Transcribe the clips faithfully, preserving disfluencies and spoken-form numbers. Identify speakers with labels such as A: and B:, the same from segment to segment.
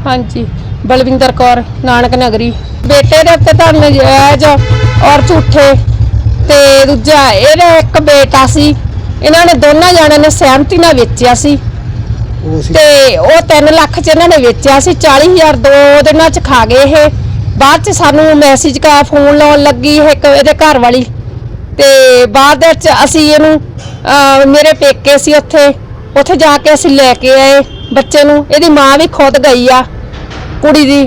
A: हाँ जी बलविंदर कौर नानक नगरी। बेटे दे उत्ते तां नजायज और झूठे ते दूजा ਇਹਦਾ ਇੱਕ बेटा सी ਇਹਨਾਂ ਨੇ ਦੋਨਾਂ ਜਣਿਆਂ ਨੇ ਸਹਿਮਤੀ ਨਾਲ ਵੇਚਿਆ ਸੀ ਤੇ ਉਹ तीन ਲੱਖ ਚ ਇਹਨਾਂ ਨੇ ਵੇਚਿਆ ਸੀ। चालीस हज़ार ਦੋ ਦਿਨਾਂ ਚ ਖਾ ਗਏ ਇਹ। ਬਾਅਦ ਚ ਸਾਨੂੰ ਮੈਸੇਜ ਕਾ ਫੋਨ ਲਾਉਣ ਲੱਗੀ ਇੱਕ ਇਹਦੇ ਘਰ ਵਾਲੀ ਤੇ ਬਾਅਦ ਵਿੱਚ ਅਸੀਂ ਇਹਨੂੰ ਮੇਰੇ ਪੇਕੇ ਸੀ ਉੱਥੇ ਉੱਥੇ ਜਾ ਕੇ ਅਸੀਂ ਲੈ ਕੇ ਆਏ ਬੱਚੇ ਨੂੰ। ਇਹਦੀ ਮਾਂ ਵੀ ਖੁਦ ਗਈ ਆ ਕੁੜੀ ਦੀ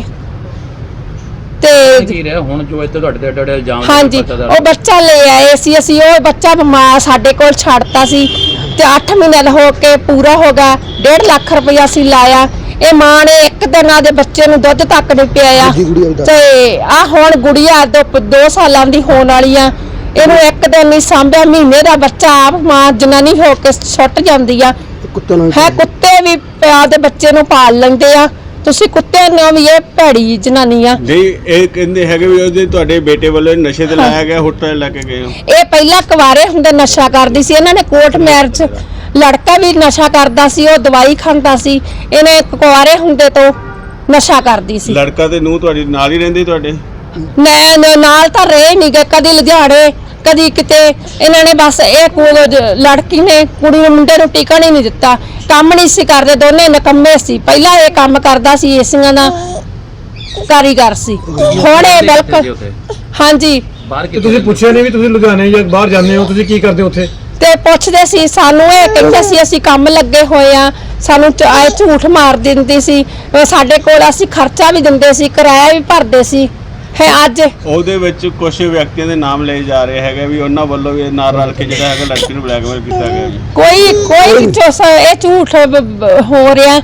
A: ਤੇ
B: ਕੀ ਰਿਹਾ ਹੁਣ ਜੋ ਇੱਥੇ ਤੁਹਾਡੇ ਤੇ ਇਲਜ਼ਾਮ।
A: ਹਾਂਜੀ ਉਹ ਬੱਚਾ ਲੈ ਆਏ ਸੀ ਅਸੀਂ। ਉਹ ਬੱਚਾ ਮਾਂ ਸਾਡੇ ਕੋਲ ਛੱਡਤਾ ਸੀ ਤੇ ਅੱਠ ਮਹੀਨੇ ਹੋ ਕੇ ਪੂਰਾ ਹੋ ਗਿਆ। डेढ़ लाख रुपया ਅਸੀਂ ਲਾਇਆ। ਇਹ ਮਾਂ ਨੇ ਇੱਕ ਦਿਨ ਆਦੇ ਬੱਚੇ ਨੂੰ ਦੁੱਧ ਤੱਕ ਨਹੀਂ ਪਿਆਇਆ ਤੇ ਆ ਹੁਣ ਗੁੜੀਆ दो ਸਾਲਾਂ ਦੀ ਹੋਣ ਵਾਲੀ ਆ। ਇਹਨੂੰ ਇੱਕ ਦਿਨ ਨਹੀਂ ਸਾਂਭਿਆ। ਮਹੀਨੇ ਦਾ ਬੱਚਾ ਆਪ ਮਾਂ ਜਨਾਨੀ ਹੋ ਕੇ ਛੁੱਟ ਜਾਂਦੀ ਆ ਹੈ। ਕੁੱਤੇ ਵੀ ਪਿਆ ਦੇ ਬੱਚੇ ਨੂੰ ਪਾਲ ਲੈਂਦੇ ਆ। ਤੁਸੀਂ ਕੁੱਤੇ ਨੂੰ ਵੀ ਇਹ ਭੈੜੀ ਜਨਾਨੀ ਆ।
C: ਨਹੀਂ ਇਹ ਕਹਿੰਦੇ ਹੈਗੇ ਵੀ ਉਹਦੇ ਤੁਹਾਡੇ ਬੇਟੇ ਵੱਲੋਂ ਨਸ਼ੇ ਤੇ ਲਾਇਆ ਗਿਆ ਹੋਟਲ ਲੈ ਕੇ ਗਏ ਹੋ।
A: ਇਹ ਪਹਿਲਾਂ ਕੁਵਾਰੇ ਹੁੰਦੇ ਨਸ਼ਾ ਕਰਦੀ ਸੀ। ਇਹਨਾਂ ਨੇ ਕੋਰਟ ਮੈਰਿਜ ਲੜਕਾ ਵੀ ਨਸ਼ਾ ਕਰਦਾ ਸੀ। ਉਹ ਦਵਾਈ ਖਾਂਦਾ ਸੀ। ਇਹਨੇ ਕੁਵਾਰੇ ਹੁੰਦੇ ਤੋਂ ਨਸ਼ਾ ਕਰਦੀ ਸੀ।
C: ਲੜਕਾ ਤੇ ਨੂੰ ਤੁਹਾਡੀ ਨਾਲ ਹੀ ਰਹਿੰਦੇ ਤੁਹਾਡੇ?
A: ਮੈਂ ਨਾਲ ਤਾਂ ਰਹੇ ਨਹੀਂ ਗਏ ਕਦੀ ਲੁਧਿਆਣੇ ਕਦੀ ਕਿਤੇ। ਇਹਨਾਂ ਨੇ ਬਸ ਇਹ ਲੜਕੀ ਨੇ ਕੁੜੀ ਨੂੰ ਮੁੰਡੇ ਨੂੰ ਟਿਕਣ ਹੀ ਨਹੀਂ ਦਿੱਤਾ। ਕੰਮ ਨਹੀਂ ਸੀ ਕਰਦੇ ਦੋਨੇ ਨਿਕੰਮੇ ਸੀ। ਪਹਿਲਾਂ ਇਹ ਕੰਮ ਕਰਦਾ ਸੀ ਏਸੀਆਂ ਦਾ ਕਾਰੀਗਰ ਸੀ। ਹੁਣ ਇਹ ਬਿਲਕੁਲ ਹਾਂਜੀ।
D: ਤੁਸੀਂ ਪੁੱਛਿਆ ਨਹੀਂ ਵੀ ਤੁਸੀਂ ਲੁਧਿਆਣੇ ਜਾਂ ਬਾਹਰ ਜਾਂਦੇ ਹੋ ਤੁਸੀਂ ਕੀ ਕਰਦੇ ਹੋ ਉੱਥੇ?
A: ਤੇ ਪੁੱਛਦੇ ਸੀ ਸਾਨੂੰ। ਇਹ ਕਹਿੰਦੇ ਸੀ ਅਸੀਂ ਕੰਮ ਲੱਗੇ ਹੋਏ ਆ। ਸਾਨੂੰ ਆਏ ਝੂਠ ਮਾਰ ਦਿੰਦੀ ਸੀ। ਸਾਡੇ ਕੋਲ ਅਸੀਂ ਖਰਚਾ ਵੀ ਦਿੰਦੇ ਸੀ ਕਿਰਾਇਆ ਵੀ ਭਰਦੇ ਸੀ ਹੈ। ਅੱਜ
C: ਉਹਦੇ ਵਿੱਚ ਕੁਝ ਵਿਅਕਤੀਆਂ ਦੇ ਨਾਮ ਲਏ ਜਾ ਰਹੇ ਹੈਗੇ ਵੀ ਉਹਨਾਂ ਵੱਲੋਂ ਵੀ ਨਾਲ ਰਲ ਕੇ ਜਿਹੜਾ ਹੈਗਾ ਲੜਕੀ ਨੂੰ ਬਲੈਕਮੇਲ ਕੀਤਾ ਗਿਆ ਜੀ।
A: ਕੋਈ ਕੋਈ ਇਹ ਝੂਠ ਹੋ ਰਿਹਾ।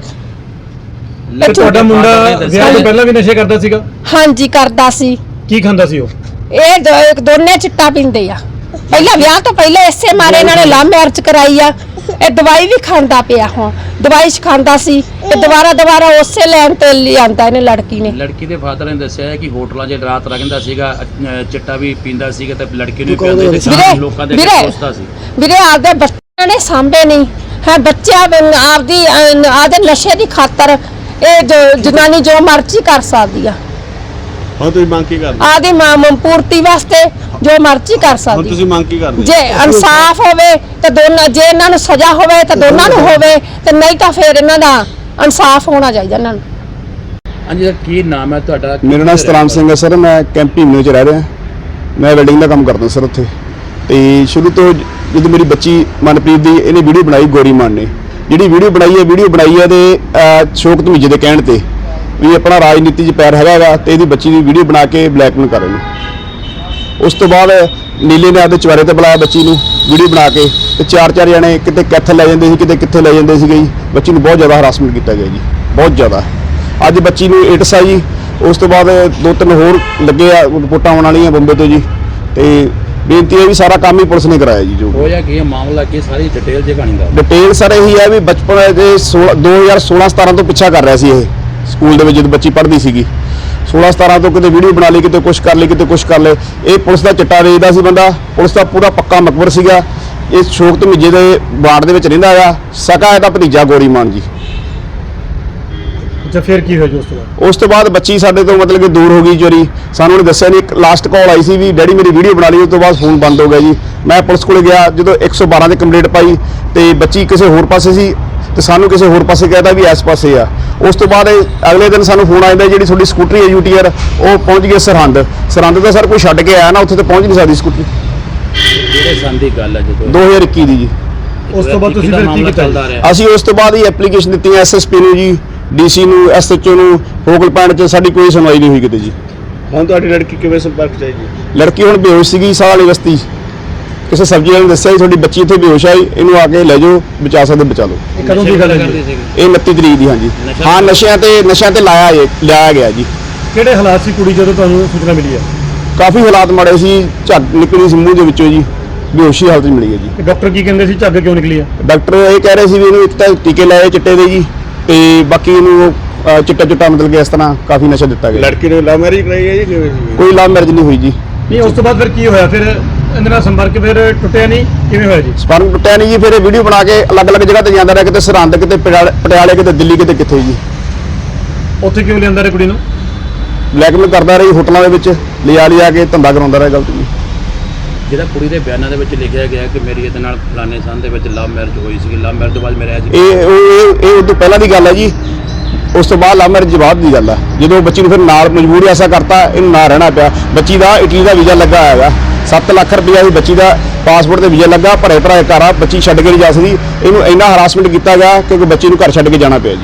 D: ਤੁਹਾਡਾ ਮੁੰਡਾ ਵਿਆਹ ਤੋਂ ਪਹਿਲਾਂ ਵੀ ਨਸ਼ੇ ਕਰਦਾ ਸੀਗਾ?
A: ਹਾਂਜੀ ਕਰਦਾ ਸੀ।
D: ਕੀ ਖਾਂਦਾ ਸੀ ਉਹ?
A: ਇਹ ਦੋਨੇ ਚਿੱਟਾ ਪੀਂਦੇ ਆ। ਪਹਿਲਾਂ ਵਿਆਹ ਤੋਂ ਪਹਿਲਾਂ ਇਸੇ ਮਾਰੇ ਇਹਨਾਂ ਨੇ ਲਵ ਮੈਰਿਜ ਕਰਾਈ ਆ। ਇਹ ਦਵਾਈ ਵੀ ਖਾਂਦਾ ਪਿਆ। ਹੁਣ ਦਵਾਈ ਖਾਂਦਾ ਸੀ ਤੇ ਦੁਬਾਰਾ ਦੁਬਾਰਾ ਉਸੇ ਲੈਣ ਤੇ ਲਿਆਂਦਾ ਇਹਨੇ ਲੜਕੀ ਨੇ।
B: ਲੜਕੀ ਦੇ ਫਾਦਰ ਨੇ ਦੱਸਿਆ ਕਿ ਹੋਟਲਾਂ 'ਚ ਰਾਤ ਰਹਿੰਦਾ ਸੀਗਾ ਚਿੱਟਾ ਵੀ ਪੀਂਦਾ ਸੀਗਾ ਤੇ ਲੜਕੀ ਨੂੰ ਪਿਆਉਂਦਾ ਤੇ ਲੋਕਾਂ ਦੇ ਪੁੱਛਦਾ ਸੀ। ਵੀਰੇ ਆਪਦੇ ਬੱਚਿਆਂ ਨੇ ਸਾਂਭੇ ਨਹੀਂ ਹੈ। ਬੱਚਿਆਂ ਆਪਦੀ ਆਦੇ ਨਸ਼ੇ ਦੀ ਖਾਤਰ ਇਹ ਜਨਾਨੀ ਜੋ ਮਰਜ਼ੀ ਕਰ ਸਕਦੀ ਆ।
C: ਹੁਣ ਤੁਸੀਂ ਮੰਗ ਕੀ ਕਰਦੇ?
A: ਆਦੀ ਮਾਂ ਪੂਰਤੀ ਵਾਸਤੇ ਜੋ ਮਰਜ਼ੀ ਕਰ ਸਕਦੀ।
C: ਹੁਣ ਤੁਸੀਂ ਮੰਗ ਕੀ ਕਰਦੇ?
A: ਜੇ ਇਨਸਾਫ ਹੋਵੇ ਤਾਂ ਦੋਨਾਂ ਜੇ ਇਹਨਾਂ ਨੂੰ ਸਜ਼ਾ ਹੋਵੇ ਤਾਂ ਦੋਨਾਂ ਨੂੰ ਹੋਵੇ ਤੇ ਨਹੀਂ ਤਾਂ ਫਿਰ ਇਹਨਾਂ ਦਾ ਇਨਸਾਫ ਹੋਣਾ ਚਾਹੀਦਾ ਇਹਨਾਂ ਨੂੰ।
B: ਹਾਂਜੀ ਸਰ ਕੀ ਨਾਮ ਹੈ ਤੁਹਾਡਾ?
E: ਮੇਰਾ ਨਾਮ ਸਤਰਾਮ ਸਿੰਘ ਹੈ ਸਰ। ਮੈਂ ਕੈਂਪੀ ਮੇ ਚ ਰਹਿ ਰਿਹਾ। ਮੈਂ ਵੈਲਡਿੰਗ ਦਾ ਕੰਮ ਕਰਦਾ ਸਰ ਉੱਥੇ। ਤੇ ਸ਼ੁਰੂ ਤੋਂ ਜਦੋਂ ਮੇਰੀ ਬੱਚੀ ਮਨਪ੍ਰੀਤ ਦੀ ਇਹਨੇ ਵੀਡੀਓ ਬਣਾਈ ਗੋਰੀ ਮਾਨ ਨੇ ਜਿਹੜੀ ਵੀਡੀਓ ਬਣਾਈ ਹੈ ਵੀਡੀਓ ਬਣਾਈ ਹੈ ਤੇ ਸ਼ੌਕ ਧਮੀਜੇ ਦੇ ਕਹਿਣ ਤੇ ਵੀ ਆਪਣਾ ਰਾਜਨੀਤੀ 'ਚ ਪੈਰ ਹੈਗਾ ਤੇ ਇਹਦੀ ਬੱਚੀ ਦੀ ਵੀਡੀਓ ਬਣਾ ਕੇ ਬਲੈਕਮੇਲ ਕਰ ਰਹੇ ਨੇ। ਉਸ ਤੋਂ ਬਾਅਦ ਨੀਲੇ ਨੇ ਆਪਦੇ ਚਵਾਰੇ ਤੇ ਬੁਲਾਇਆ ਬੱਚੀ ਨੂੰ ਵੀਡੀਓ ਬਣਾ ਕੇ ਤੇ ਚਾਰ ਚਾਰ ਜਣੇ ਕਿਤੇ ਕਿੱਥੇ ਲੈ ਜਾਂਦੇ ਸੀ ਕਿਤੇ ਕਿੱਥੇ ਲੈ ਜਾਂਦੇ ਸੀਗੇ ਜੀ। ਬੱਚੀ ਨੂੰ ਬਹੁਤ ਜ਼ਿਆਦਾ ਹਰਾਸਮੈਂਟ ਕੀਤਾ ਗਿਆ ਜੀ ਬਹੁਤ ਜ਼ਿਆਦਾ। ਅੱਜ ਬੱਚੀ ਨੂੰ ਏਡਸ ਆ ਜੀ। ਉਸ ਤੋਂ ਬਾਅਦ ਦੋ ਤਿੰਨ ਹੋਰ ਲੱਗੇ ਆ ਰਿਪੋਰਟਾਂ ਆਉਣ ਵਾਲੀਆਂ ਬੰਬੇ ਤੋਂ ਜੀ। ਤੇ ਬੇਨਤੀ ਹੈ ਵੀ ਸਾਰਾ ਕੰਮ ਹੀ ਪੁਲਿਸ ਨੇ ਕਰਾਇਆ ਜੀ। ਜੋ
B: ਹੋਇਆ ਕੀ ਮਾਮਲਾ ਕੀ ਸਾਰੀ ਡਿਟੇਲ ਜੇ ਕਹਾਣੀ ਦਾ
E: ਡਿਟੇਲ ਸਰ ਇਹੀ ਹੈ ਵੀ ਬਚਪਨ ਦੇ ਦੋ ਹਜ਼ਾਰ ਸੋਲਾਂ ਸਤਾਰਾਂ ਤੋਂ ਪਿੱਛਾ ਕਰ ਰਿਹਾ ਸੀ ਇਹ ਸਕੂਲ ਦੇ ਵਿੱਚ ਜਦੋਂ ਬੱਚੀ ਪੜ੍ਹਦੀ ਸੀਗੀ। सोलह सतारह तो कितने वीडियो बना ली कितने कुछ कर ली कितने कुछ कर ले। ये पुलिस का चिट्टा वेचदा सी बंदा। पुलिस का पूरा पक्का मकबर सीगा। ये शौक धमीजे के वार्ड दे विच रहिंदा आ। सका इहदा भतीजा गौरी मान जी।
D: अच्छा फिर की होया जी उस तो बाद?
E: उस तो बाद बच्ची साडे तो मतलब कि दूर हो गई चोरी। सानू उन्हें दस्सिया नहीं। एक लास्ट कॉल आई सी भी डैडी मेरी वीडियो बना ली। उस तो बाद फोन बंद हो गया जी। मैं पुलिस कोल गया जो एक सौ बारह की कंप्लेंट पाई तो बच्ची किसी होर पासे सी तो सानू किसी होर पासे कहता भी इस पासे आ। उस तो बाद अगले दिन सानू फोन आ जाता जी थोड़ी स्कूटरी है यूटीआर वो पहुँच गई सरहंद। सरहंद तो सर कोई छड्ड के आया ना उत्थे तो पहुँच नहीं सकती स्कूटरी। दो हज़ार इक्की दी जी।
D: उस तो बाद तुसीं फिर की कीता?
E: असीं उस तो बाद ही एप्लीकेशन दित्ती एस एस पी नूं जी डी सी नूं एस एच ओ नूं फोकल पॉइंट च साडी कोई सुनवाई नहीं हुई किते जी।
C: ਹੁਣ ਤੁਹਾਡੀ ਲੜਕੀ ਕਿਵੇਂ ਸੰਪਰਕ ਚ ਆਈ ਜੀ?
E: लड़की हुण बेहोश सीगी साह वाली बस्ती किसी सब्जी वाले ने दस्सिया थोड़ी बच्ची इत्थे बेहोश आई इनू आके ले जाओ बचा सकते बचा लो।
D: कदों की गल है?
E: ये उनतीस तरीक दी। हाँ जी हाँ नशियां ते नशियां ते लाया लिया गया जी।
D: किहड़े हालात सी कुड़ी जदों तुहानूं सूचना मिली है?
E: काफ़ी हालात माड़े सी। झग निकली सी मूँह दे विचों जी। बेहोशी हालत च मिली है जी।
D: डॉक्टर की कहंदे सी झग क्यों निकली है?
E: डॉक्टर ये कह रहे सी भी इनू एक तां टीके लाए चिट्टे दे जी ते बाकी इनू चिट्टा चिट्टा मतलब कि इस तरह काफ़ी नशा दिता गया।
C: लड़की ने लव मैरिज कराई है जी?
E: कोई लव मैरिज नहीं हुई जी।
D: नहीं उस तो बाद फिर की होया? फिर इहदे नाल संपर्क फिर टुटिया नहीं किवें होया जी?
E: संपर्क टुटिया नहीं जी। फिर वीडियो बना के अलग अलग जगह ते जांदा रहा किते सरहंद किते पटियाले किते दिल्ली किते किथे जी।
D: ਉੱਥੇ ਕਿਉਂ ਲਿਆਂਦਾ ਰੇ ਕੁੜੀ ਨੂੰ?
E: ਬਲੈਕਮੇਲ ਕਰਦਾ ਰਹੀ ਹੋਟਲਾਂ ਦੇ ਵਿੱਚ ਲਿਜਾ ਲਿਜਾ ਕੇ ਧੰਦਾ ਕਰਾਉਂਦਾ ਰਿਹਾ ਗਲਤ ਜੀ।
B: ਜਿਹੜਾ ਕੁੜੀ ਦੇ ਬਿਆਨਾਂ ਦੇ ਵਿੱਚ ਲਿਖਿਆ ਗਿਆ ਕਿ ਮੇਰੀ ਇਹਦੇ ਨਾਲ ਫਲਾਣੇ ਸੰਨ ਦੇ ਵਿੱਚ ਲਵ ਮੈਰਿਜ ਹੋਈ ਸੀ, ਲਵ ਮੈਰਿਜ ਤੋਂ ਬਾਅਦ ਮੇਰੇ ਅੱਜ
E: ਇਹ ਉਹ- ਇਹ ਇਹ ਉਦੋਂ ਪਹਿਲਾਂ ਦੀ ਗੱਲ ਹੈ ਜੀ। ਉਸ ਤੋਂ ਬਾਅਦ ਲਵ ਮੈਰਿਜ ਬਾਅਦ ਦੀ ਗੱਲ ਹੈ। ਜਦੋਂ ਬੱਚੀ ਨੂੰ ਫਿਰ ਨਾਲ ਮਜਬੂਰੀ ਐਸਾ ਕਰਤਾ, ਇਹਨੂੰ ਨਾ ਰਹਿਣਾ ਪਿਆ। ਬੱਚੀ ਦਾ ਇਟਲੀ ਦਾ ਵੀਜ਼ਾ ਲੱਗਾ ਹੈਗਾ, ਸੱਤ ਲੱਖ ਰੁਪਇਆ ਦੀ ਬੱਚੀ ਦਾ ਪਾਸਪੋਰਟ ਤੇ ਵੀਜ਼ਾ ਲੱਗਾ, ਭਰੇ ਭਰਾਏ ਘਰ ਆ, ਬੱਚੀ ਛੱਡ ਕੇ ਨਹੀਂ ਜਾ ਸਕਦੀ। ਇਹਨੂੰ ਇੰਨਾ ਹਰਾਸਮੈਂਟ ਕੀਤਾ ਗਿਆ ਕਿਉਂਕਿ ਬੱਚੀ ਨੂੰ ਘਰ ਛੱਡ ਕੇ ਜਾਣਾ ਪਿਆ ਜੀ।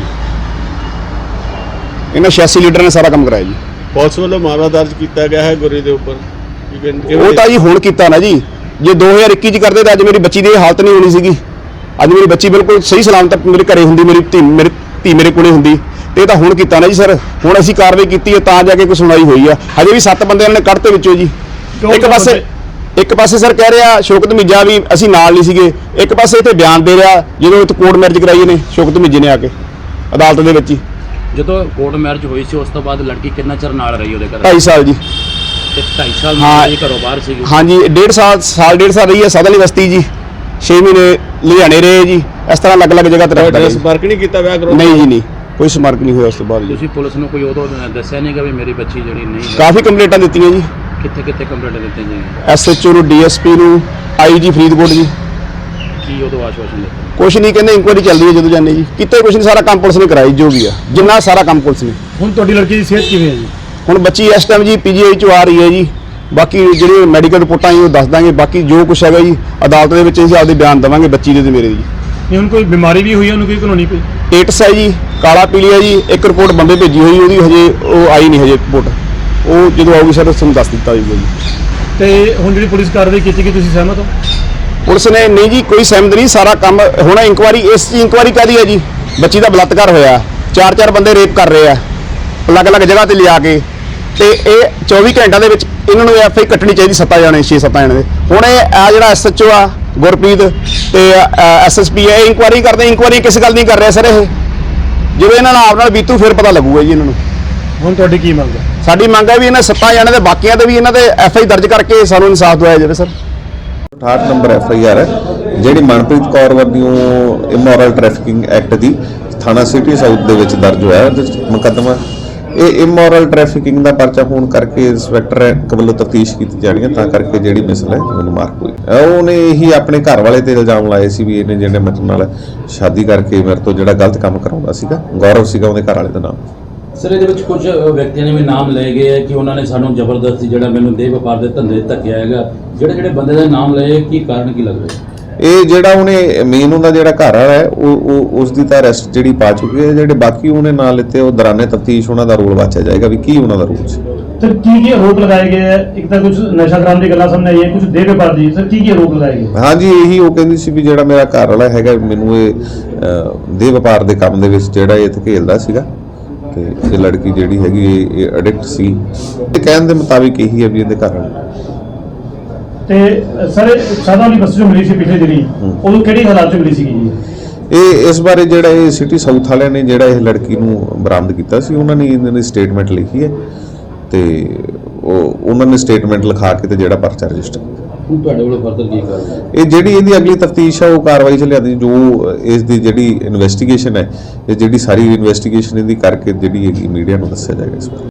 E: ਇਹਨਾਂ ਛਿਆਸੀ ਲੀਡਰ ਨੇ ਸਾਰਾ ਕੰਮ ਕਰਾਇਆ ਜੀ।
C: ਪੁਲਿਸ ਵੱਲੋਂ ਮਾਮਲਾ ਦਰਜ ਕੀਤਾ ਗਿਆ ਹੈ ਗੁਰੀ ਦੇ ਉੱਪਰ। ਕੀ ਕਹਿੰਦੇ-
E: ਉਹ ਤਾਂ ਜੀ ਹੁਣ ਕੀਤਾ ਨਾ ਜੀ। ਜੇ ਦੋ ਹਜ਼ਾਰ ਇੱਕੀ ਚ ਕਰਦੇ ਤਾਂ ਅੱਜ ਮੇਰੀ ਬੱਚੀ ਦੀ ਇਹ ਹਾਲਤ ਨਹੀਂ ਹੋਣੀ ਸੀਗੀ। ਅੱਜ ਮੇਰੀ ਬੱਚੀ ਬਿਲਕੁਲ ਸਹੀ ਸਲਾਮਤ ਮੇਰੇ ਘਰੇ ਹੁੰਦੀ, ਮੇਰੀ ਧੀ ਮੇਰੀ ਧੀ ਮੇਰੇ ਕੋਲੇ ਹੁੰਦੀ। ਤੇ ਇਹ ਤਾਂ ਹੁਣ ਕੀਤਾ ਨਾ ਜੀ ਸਰ। ਹੁਣ ਅਸੀਂ ਕਾਰਵਾਈ ਕੀਤੀ ਹੈ ਤਾਂ ਜਾ ਕੇ ਕੋਈ ਸੁਣਾਈ ਹੋਈ ਆ। ਹਜੇ ਵੀ ਸੱਤ ਬੰਦੇ ਉਹਨਾਂ ਨੇ ਕੱਢਤੇ ਵਿੱਚੋਂ ਜੀ। ਇੱਕ ਪਾਸੇ ਇੱਕ ਪਾਸੇ ਸਰ ਕਹਿ ਰਿਹਾ ਸ਼ੌਕਤ ਮਿੱਜਾ ਵੀ ਅਸੀਂ ਨਾਲ ਨਹੀਂ ਸੀਗੇ, ਇੱਕ ਪਾਸੇ ਇੱਥੇ ਬਿਆਨ ਦੇ ਰਿਹਾ ਜਦੋਂ ਇੱਥੇ ਕੋਰਟ ਮੈਰਿਜ ਕਰਾਈ ਇਹਨੇ ਸ਼ੌਕਤ ਮਿੱਜੇ ਨੇ ਆ ਕੇ ਅਦਾਲਤ ਦੇ ਵਿੱਚ ਹੀ।
B: ਜਦੋਂ ਕੋਰਟ ਮੈਰਿਜ ਹੋਈ ਸੀ ਉਸ ਤੋਂ ਬਾਅਦ ਲੜਕੀ ਕਿੰਨਾ ਚਿਰ ਨਾਲ ਰਹੀ ਉਹਦੇ ਘਰ?
E: ਢਾਈ ਸਾਲ ਜੀ।
B: ਤੇ ਢਾਈ ਸਾਲ
E: ਹਾਂ।
B: ਨਾਲ ਘਰੋਂ ਬਾਹਰ ਸੀਗੀ।
E: ਹਾਂਜੀ ਡੇਢ ਸਾਲ ਸਾਲ ਡੇਢ ਸਾਲ ਰਹੀ ਹੈ ਸਾਧਲੀ ਬਸਤੀ ਜੀ। ਛੇ ਮਹੀਨੇ ਲੁਧਿਆਣੇ ਰਹੇ ਜੀ। ਇਸ ਤਰ੍ਹਾਂ ਅਲੱਗ ਅਲੱਗ ਜਗ੍ਹਾ ਤੇ ਰਹਿੰਦਾ
C: ਤੁਹਾਡਾ
E: ਜੀ।
C: ਸੰਪਰਕ ਨਹੀਂ ਕੀਤਾ ਵਿਆਹ ਕਰੋ?
E: ਨਹੀਂ ਜੀ ਨਹੀਂ, ਕੋਈ ਸੰਪਰਕ ਨਹੀਂ ਹੋਇਆ ਉਸ ਤੋਂ ਬਾਅਦ ਜੀ।
B: ਤੁਸੀਂ ਪੁਲਿਸ ਨੂੰ ਕੋਈ ਉਦੋਂ ਦੱਸਿਆ ਨਹੀਂ ਕਿ ਵੀ ਮੇਰੀ ਬੱਚੀ ਜਿਹੜੀ ਨਹੀਂ ਹੈ?
E: ਕਾਫੀ ਕੰਪਲੇਂਟਾਂ ਦਿੱਤੀਆਂ ਜੀ।
B: ਕਿੱਥੇ ਕਿੱਥੇ ਕੰਪਲੇਂਟ ਦਿੱਤੀਆਂ ਜੀ?
E: ਐਸ ਐਚ ਓ ਨੂੰ, ਡੀ ਐਸ ਪੀ ਨੂੰ, ਆਈ ਜੀ ਫਰੀਦਕੋਟ ਜੀ।
B: ਕੀ ਉਦੋਂ ਆਸ਼ਵਾਸਨ ਦਿੱਤਾ?
E: ਕੁਛ ਨਹੀਂ ਕਹਿੰਦੇ ਇਨਕੁਆਇਰੀ ਚੱਲਦੀ ਹੈ ਜਦੋਂ ਜਾਂਦੇ ਜੀ। ਕਿਤੇ ਕੁਛ ਨਹੀਂ, ਸਾਰਾ ਕੰਮ ਪੁਲਿਸ ਨੇ ਕਰਾਈ ਜੋ ਵੀ ਆ, ਜਿੰਨਾ ਸਾਰਾ ਕੰਮ ਪੁਲਿਸ ਨੇ।
D: ਹੁਣ ਤੁਹਾਡੀ ਲੜਕੀ ਦੀ ਸਿਹਤ ਕਿਵੇਂ ਹੈ ਜੀ?
E: ਹੁਣ ਬੱਚੀ ਇਸ ਟਾਈਮ ਜੀ ਪੀ ਜੀ ਆਈ ਚੋਂ ਆ ਰਹੀ ਹੈ ਜੀ। ਬਾਕੀ ਜਿਹੜੇ ਮੈਡੀਕਲ ਰਿਪੋਰਟਾਂ ਜੀ ਉਹ ਦੱਸ ਦਾਂਗੇ। ਬਾਕੀ ਜੋ ਕੁਛ ਹੈਗਾ ਜੀ ਅਦਾਲਤ ਦੇ ਵਿੱਚ ਅਸੀਂ ਆਪਦੇ ਬਿਆਨ ਦੇਵਾਂਗੇ ਬੱਚੀ ਦੇ ਤੇ ਮੇਰੇ ਦੀ।
D: ਨਹੀਂ ਹੁਣ ਕੋਈ ਬਿਮਾਰੀ ਵੀ ਹੋਈ ਹੈ ਉਹਨੂੰ, ਕੋਈ ਕਾਨੂੰਨੀ ਕੋਈ?
E: ਏਟਸ ਹੈ ਜੀ, ਕਾਲਾ ਪੀਲੀਆ ਜੀ। ਇੱਕ ਰਿਪੋਰਟ ਬੰਬੇ ਭੇਜੀ ਹੋਈ, ਉਹਦੀ ਹਜੇ ਉਹ ਆਈ ਨਹੀਂ ਹਜੇ ਰਿਪੋਰਟ। ਉਹ ਜਦੋਂ ਆਊਗੀ ਸਰ ਤੁਹਾਨੂੰ ਦੱਸ ਦਿੱਤਾ ਜਾਊਗਾ ਜੀ।
D: ਤੇ ਹੁਣ ਜਿਹੜੀ ਪੁਲਿਸ ਕਾਰਵਾਈ ਕੀਤੀ ਗਈ ਤੁਸੀਂ ਸਹਿਮਤ ਹੋ?
E: ਪੁਲਿਸ ਨੇ ਨਹੀਂ ਜੀ ਕੋਈ ਸਹਿਮਤ ਨਹੀਂ। ਸਾਰਾ ਕੰਮ ਹੁਣ ਇਨਕੁਆਇਰੀ ਇਸ ਦੀ ਇਨਕੁਆਇਰੀ ਕਾਹਦੀ ਹੈ ਜੀ? ਬੱਚੀ ਦਾ ਬਲਾਤਕਾਰ ਹੋਇਆ, ਚਾਰ ਚਾਰ ਬੰਦੇ ਰੇਪ ਕਰ ਰਹੇ ਆ ਅਲੱਗ ਅਲੱਗ ਜਗ੍ਹਾ ਤੇ ਲਿਆ ਕੇ। ਤੇ ਇਹ ਚੌਵੀ ਘੰਟਿਆਂ ਦੇ ਵਿੱਚ ਇਹਨਾਂ ਨੂੰ ਐਫ ਆਈ ਕੱਟਣੀ ਚਾਹੀਦੀ ਸੱਤਾਂ ਜਾਣੇ ਛੇ ਸੱਤਾਂ ਜਾਣੇ ਦੇ। ਹੁਣ ਇਹ ਆ ਜਿਹੜਾ ਐਸ ਐਚ ਓ ਆ ਗੁਰਪ੍ਰੀਤ ਤੇ ਐਸ ਐਸ ਪੀ ਹੈ ਇਨਕੁਆਇਰੀ ਕਰਦੇ। ਇਨਕੁਆਇਰੀ ਕਿਸ ਗੱਲ ਨਹੀਂ ਕਰ ਰਿਹਾ ਸਰ ਇਹ। ਜਦੋਂ ਇਹਨਾਂ ਨਾਲ ਆਪ ਨਾਲ ਬੀਤੂ ਫਿਰ ਪਤਾ ਲੱਗੂਗਾ ਜੀ ਇਹਨਾਂ ਨੂੰ।
D: ਹੁਣ ਤੁਹਾਡੀ ਕੀ ਮੰਗ ਹੈ?
E: ਸਾਡੀ ਮੰਗ ਹੈ ਵੀ ਇਹਨਾਂ ਸੱਤਾਂ ਜਾਣੇ ਦੇ ਬਾਕੀਆਂ ਤੇ ਵੀ ਇਹਨਾਂ ਦੇ ਐਫ ਆਈ ਦਰਜ ਕਰਕੇ ਸਾਨੂੰ ਇਨਸਾਫ ਦਿਵਾਇਆ ਜਾਵੇ ਸਰ।
F: ਅਠਾਹਠ ਨੰਬਰ ਐਫ ਆਈ ਆਰ ਹੈ ਜਿਹੜੀ ਮਨਪ੍ਰੀਤ ਕੌਰ ਵੱਲੋਂ ਇਮੋਰਲ ਟ੍ਰੈਫਿਕਿੰਗ ਐਕਟ ਦੀ ਥਾਣਾ ਸਿਟੀ ਸਾਊਥ ਦੇ ਵਿੱਚ ਦਰਜ ਹੋਇਆ ਉਹਦੇ 'ਚ ਮੁਕੱਦਮਾ। ਇਹ ਇਮੋਰਲ ਟ੍ਰੈਫਿਕਿੰਗ ਦਾ ਪਰਚਾ ਹੋਣ ਕਰਕੇ ਇੰਸਪੈਕਟਰ ਰੈਂਕ ਵੱਲੋਂ ਤਫਤੀਸ਼ ਕੀਤੀ ਜਾਣੀ ਹੈ, ਤਾਂ ਕਰਕੇ ਜਿਹੜੀ ਮਿਸਲ ਹੈ ਉਹਨੂੰ ਮਾਰਕ ਹੋਈ। ਉਹਨੇ ਇਹੀ ਆਪਣੇ ਘਰ ਵਾਲੇ ਤੇ ਇਲਜ਼ਾਮ ਲਾਏ ਸੀ ਵੀ ਇਹਨੇ ਜਿਹੜੇ ਮੇਰੇ ਨਾਲ ਸ਼ਾਦੀ ਕਰਕੇ ਮੇਰੇ ਤੋਂ ਜਿਹੜਾ ਗਲਤ ਕੰਮ ਕਰਾਉਂਦਾ ਸੀਗਾ। ਗੌਰਵ ਸੀਗਾ ਉਹਦੇ ਘਰ ਵਾਲੇ ਦਾ ਨਾਮ।
B: ਸਰ ਇਹਦੇ ਵਿੱਚ ਕੁਝ ਵਿਅਕਤੀਆਂ ਨੇ ਵੀ ਨਾਮ ਲਏ ਗਏ ਹੈ ਕਿ ਉਹਨਾਂ ਨੇ ਸਾਨੂੰ ਜ਼ਬਰਦਸਤੀ ਜਿਹੜਾ ਮੈਨੂੰ ਦੇਹ ਵਪਾਰ ਦੇ ਧੰਦੇ ਧੱਕਿਆ ਹੈਗਾ। ਜਿਹੜੇ ਜਿਹੜੇ ਬੰਦੇ ਦਾ ਨਾਮ ਲਏ ਕੀ ਕਾਰਨ ਕੀ ਲੱਗ ਰਿਹਾ?
F: ਇਹ ਜਿਹੜਾ ਉਹਨੇ ਮੇਨ ਉਹਦਾ ਜਿਹੜਾ ਘਰ ਵਾਲਾ ਹੈ ਉਹ ਉਹ ਉਸ ਦੀ ਤਾਂ ਅਰੈਸਟ ਜਿਹੜੀ ਪਾ ਚੁੱਕੀ ਹੈ। ਜਿਹੜੇ ਬਾਕੀ ਉਹਨੇ ਨਾਂ ਲਿੱਤੇ ਉਹ ਦੌਰਾਨੇ ਤਫਤੀਸ਼ ਉਹਨਾਂ ਦਾ ਰੋਲ ਵਾਚਿਆ ਜਾਏਗਾ ਵੀ ਕੀ ਉਹਨਾਂ ਦਾ ਰੋਲ ਸੀ।
D: ਸਰ ਕੀ ਕੀ ਆਰੋਪ ਲਗਾਏ ਗਏ ਹੈ? ਇੱਕ ਤਾਂ ਕੁਝ ਨਸ਼ਾ ਕਰਾਉਣ ਦੀ ਗੱਲਾਂ ਸਾਹਮਣੇ ਆਈਆਂ, ਕੁਝ ਦੇਹ ਵਪਾਰ ਦੀ। ਸਰ ਕੀ ਕੀ ਆਰੋਪ ਲਗਾਏ ਗਏ?
F: ਹਾਂਜੀ ਇਹੀ ਉਹ ਕਹਿੰਦੀ ਸੀ ਵੀ ਜਿਹੜਾ ਮੇਰਾ ਘਰ ਵਾਲਾ ਹੈਗਾ ਮੈਨੂੰ ਇਹ ਅਹ, ਦੇਹ ਵਪਾਰ ਦੇ ਕੰਮ ਦੇ ਵਿੱਚ ਜਿਹੜਾ ਇਹ ਧਕੇਲਦਾ ਸੀਗਾ ਤੇ ਇਹ ਲੜਕੀ ਜਿਹੜੀ ਹੈਗੀ ਇਹ ਐਡਿਕਟ ਸੀ। ਤੇ ਕਹਿਣ ਦੇ ਮੁਤਾਬਿਕ ਇਹੀ ਹੈ ਵੀ ਇਹਦੇ ਘਰ ਵਾਲੇ।
D: ਤੇ ਸਰ ਸਾਦਾ ਵਾਲੀ ਬੱਸ ਜੋ ਮਿਲੀ ਸੀ ਪਿਛਲੇ ਦਿਨੀ, ਉਦੋਂ ਕਿਹੜੀ ਹਾਲਾਤ 'ਚ ਮਿਲੀ ਸੀਗੀ ਜੀ?
F: ਇਹ ਇਸ ਬਾਰੇ ਜਿਹੜਾ ਇਹ ਸਿਟੀ ਸਾਊਥ ਵਾਲਿਆਂ ਨੇ ਜਿਹੜਾ ਇਹ ਲੜਕੀ ਨੂੰ ਬਰਾਮਦ ਕੀਤਾ ਸੀ ਉਹਨਾਂ ਨੇ ਇਹਨਾਂ ਦੀ ਸਟੇਟਮੈਂਟ ਲਿਖੀ ਹੈ ਤੇ ਉਹ ਉਹਨਾਂ ਨੇ ਸਟੇਟਮੈਂਟ ਲਿਖਾ ਕੇ ਤੇ ਜਿਹੜਾ ਪਰਚਾ ਰਜਿਸਟਰ
B: ਹੁਣ ਤੁਹਾਡੇ ਵੱਲੋਂ ਫਰਦਰ ਕੀ ਕਾਰਵਾਈ?
F: ਇਹ ਜਿਹੜੀ ਇਹਦੀ ਅਗਲੀ ਤਫਤੀਸ਼ ਹੈ ਉਹ ਕਾਰਵਾਈ 'ਚ ਲਿਆਂਦੀ। ਜੋ ਇਸ ਦੀ ਜਿਹੜੀ ਇਨਵੈਸਟੀਗੇਸ਼ਨ ਹੈ ਇਹ ਜਿਹੜੀ ਸਾਰੀ ਇਨਵੈਸਟੀਗੇਸ਼ਨ ਇਹਦੀ ਕਰਕੇ ਜਿਹੜੀ ਹੈਗੀ ਮੀਡੀਆ ਨੂੰ ਦੱਸਿਆ ਜਾਏਗਾ ਇਸ ਬਾਰੇ।